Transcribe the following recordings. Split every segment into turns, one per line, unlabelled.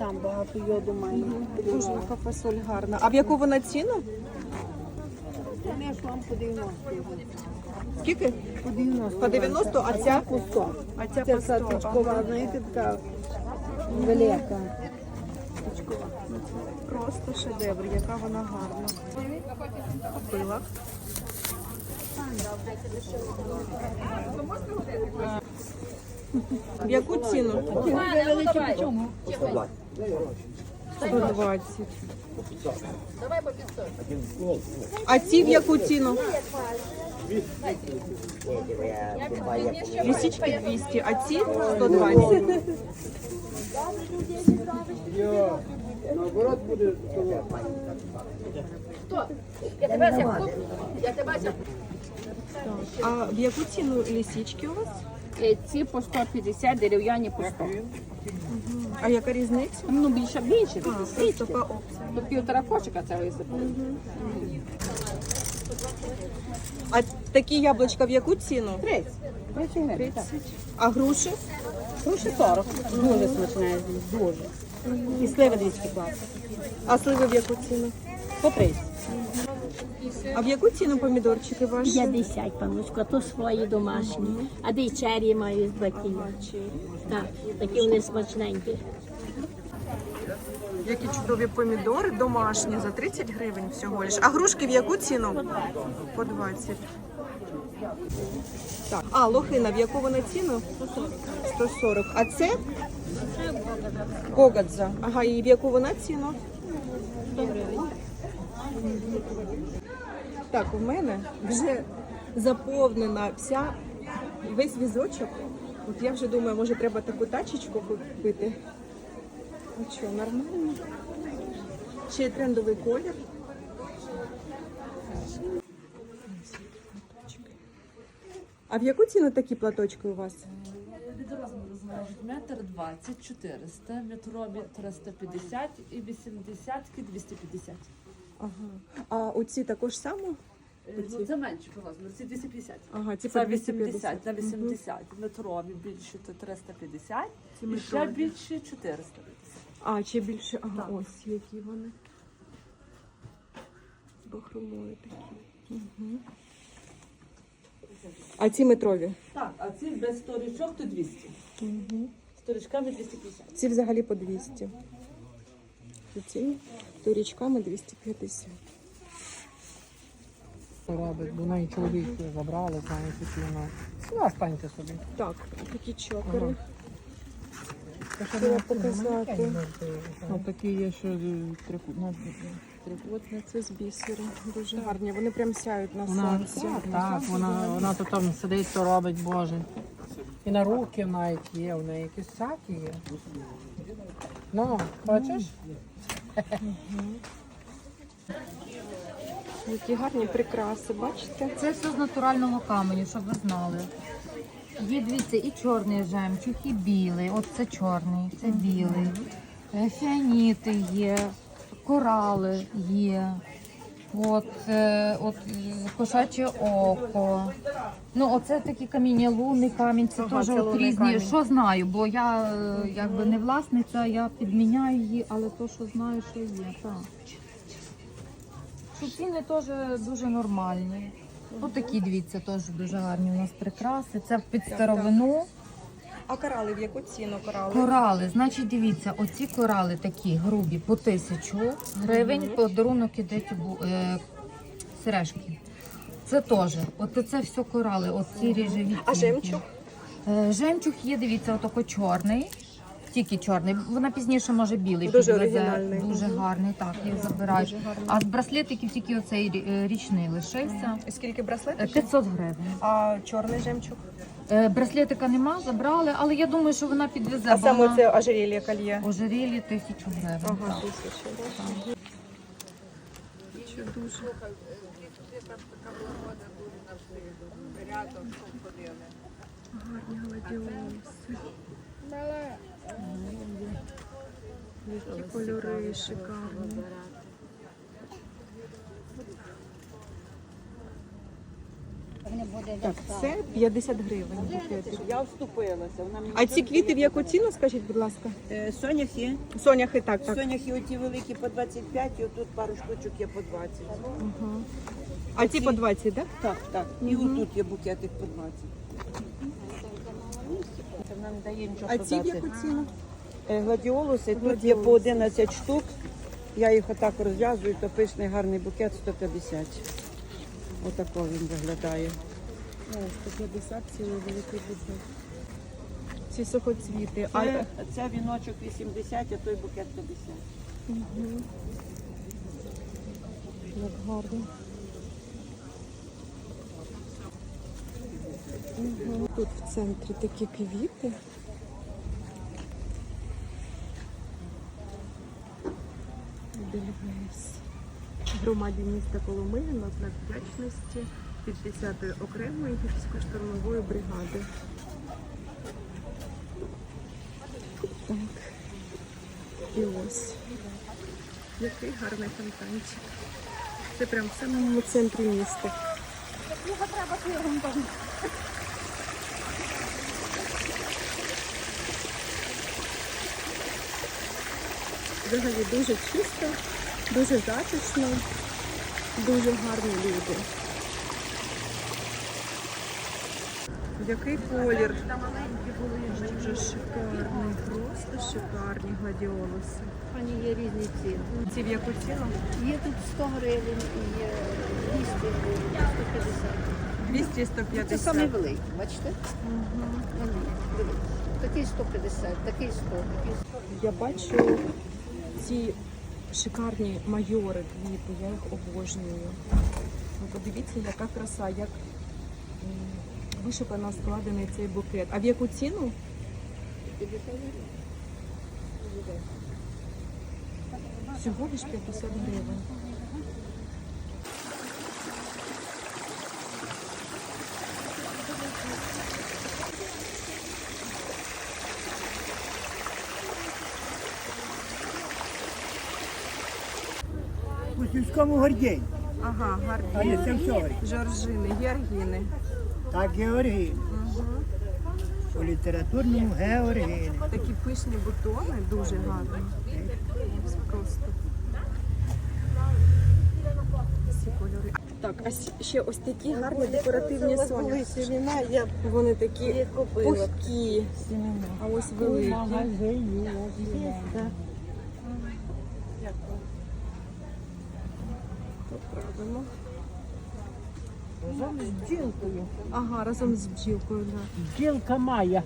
сам багато йоду має.
Дуже яка фасоль гарна. А в яку вона ціну?
Я ж вам по 90.
Скільки?
По 90.
По 90, а ця?
По 100.
А ця
Це
по 100.
саточкова, знаєте, така велика.
Просто шедевр, яка вона гарна. Купила. В яку ціну? 120. А ці в яку ціну? Лисички 200, а ці 120. А в яку ціну лисички у вас?
Ці по 150, дерев'яні по 100.
А яка різниця?
Ну, більше.
Це така опція.
Тут півтора кошика це висипали.
А такі яблучка в яку ціну?
30. 30 гривень.
30. А груші?
Груші 40. Дуже смачне, дуже. І сливи 200 класи.
А сливи в яку ціну?
По 30.
А в яку ціну помідорчики ваші?
50, паночко, то свої домашні. А де й черрі маю з баків. Так, такі вони смачненькі.
Які чудові помідори домашні за 30 гривень всього лиш. А грушки в яку ціну? По 20. Так, а лохина в яку вона ціну? 140. А це? Гогадза. Ага, і в яку вона ціну? 100 гривень. Так, у мене вже заповнена весь візочок. От я вже думаю, може треба таку тачечку купити. Ну що, нормально? Ще й трендовий колір. А в яку ціну такі платочки у вас?
Від розміру залежить метр 20, 400, метрові 350 і 80-ки 250.
Ага. А оці також само?
Ну, це менше по розміру, ці 250.
Ага, ці
Це
по 250.
80 на 80. Метрові більше то 350
Ці
і ще
метрові.
більше 450.
А, ще більше. Ага,
Так.
ось які вони. З бахромою такі. Угу. А ці метрові?
Так, а ці без сторічок то 200.
Угу.
Сторічками 250.
Ці взагалі по 200. Ці торічками 250.
Робить, бо неї чоловік забрали, знаєте, вона. Ну, останьте собі.
Так, такі чокери.
Це ще
Треба
не
показати.
Ну, такі є, що
Трикутниця з бісеру. Дуже гарні. Вони прям сяють на
вона,
сонці.
так, вона то там сидить, то робить, Боже. І на руки навіть є, в неї якісь всякі є. Ну, бачиш?
Які гарні прикраси, бачите?
Це все з натурального каменю, щоб ви знали. Є, дивіться, і чорний жемчуг, і білий. От це чорний, це білий. Фіаніти є, корали є. От кошаче око. Ну, оце такі каміння, лунний камінь, це теж от різні. Що знаю, бо я якби не власниця, я підміняю її, але то, що знаю, що є, так. Що ціни теж дуже нормальні. Ось такі, дивіться, теж дуже гарні у нас прикраси. Це під старовину.
А корали в яку ціну корали?
Корали, значить, дивіться, оці корали такі грубі по 1000 гривень, подарунок іде сережки. Це теж, от це все корали, оці ріжеві.
А жемчуг?
Жемчуг є, дивіться, отако чорний. Тільки чорний, вона пізніше може білий.
Дуже
підвезе.
оригінальний.
Дуже гарний, так, їх забирають. А з браслетиків тільки оцей річний лишився.
Скільки браслетів?
500 гривень.
А чорний жемчуг?
Браслетика нема, забрали, але я думаю, що вона підвезе.
А
бо
саме
вона...
це ожерелье кольє?
Ожерелье 1000 гривень.
Ага,
так.
1000. Що дуже. Гарні гладіолуси. Які кольори шикарні. Так, це 50 гривень букетик.
Я вступилася. Вона мені
А ці квіти в яку ціну, скажіть, будь ласка?
Соняхи.
Соняхи, так, так.
Соняхи оті великі по 25, і отут пару штучок є по 20.
А ці по 20, так?
Так, так. І отут є букетик по 20. Це вона не дає нічого
А ці в яку ціну?
Гладіолуси, тут є по 11 штук. Я їх отак розв'язую, то пишний гарний букет 150. Отако він виглядає.
О, 150 цілий великий букет. Ці сухоцвіти.
Це віночок 80, а той букет 50.
Як гарно. Тут в центрі такі квіти. Дельвейс. Громаді міста Коломиї на знак вдячності від 10-ї окремої гірсько-штурмової бригади. Так. І ось. Який гарний фонтанчик. Це прямо в самому центрі міста. Взагалі дуже чисто, дуже затишно, дуже гарні люди. Який колір? Дуже шикарний, просто шикарні гладіолуси.
Вони є різні ціни.
Ці в яку ціну?
Є тут 100 гривень і є 200 гривень, 150.
200-150.
Це самий великий, бачите? Дивіться. Такий 150, такий 100, такий 100.
Я бачу ці шикарні майори квіти, я їх обожнюю. Ну, подивіться, яка краса, як вишукано складений цей букет. А в яку ціну?
50 гривень.
Всього лиш 50 гривень.
У сільському гордєнь,
Ага,
а
гарні.
не це все.
Жоржини, георгіни.
Так Георгій. У літературному Георгій.
Такі пишні бутони, дуже гарні. Ось просто. Всі кольори. Так, а ще ось такі гарні декоративні соняхи.
Семена я
Вони такі
їх купила.
пухкі. А ось великі. Поправимо.
Разом з бджілкою.
Ага, разом з бджілкою, да.
Бджілка Майя.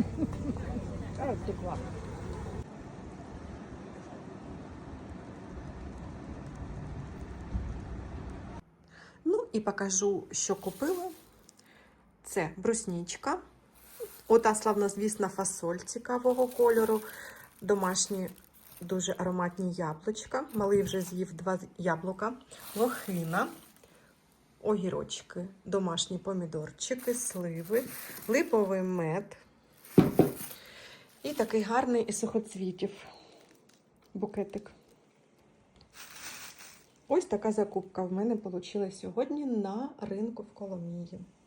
Ну і покажу, що купила. Це бруснічка. Ота славнозвісна фасоль цікавого кольору. Домашні дуже ароматні яблучка. Малий вже з'їв 2 яблука. Лохина. Огірочки, домашні помідорчики, сливи, липовий мед. І такий гарний із сухоцвітів букетик. Ось така закупка в мене вийшла сьогодні на ринку в Коломиї.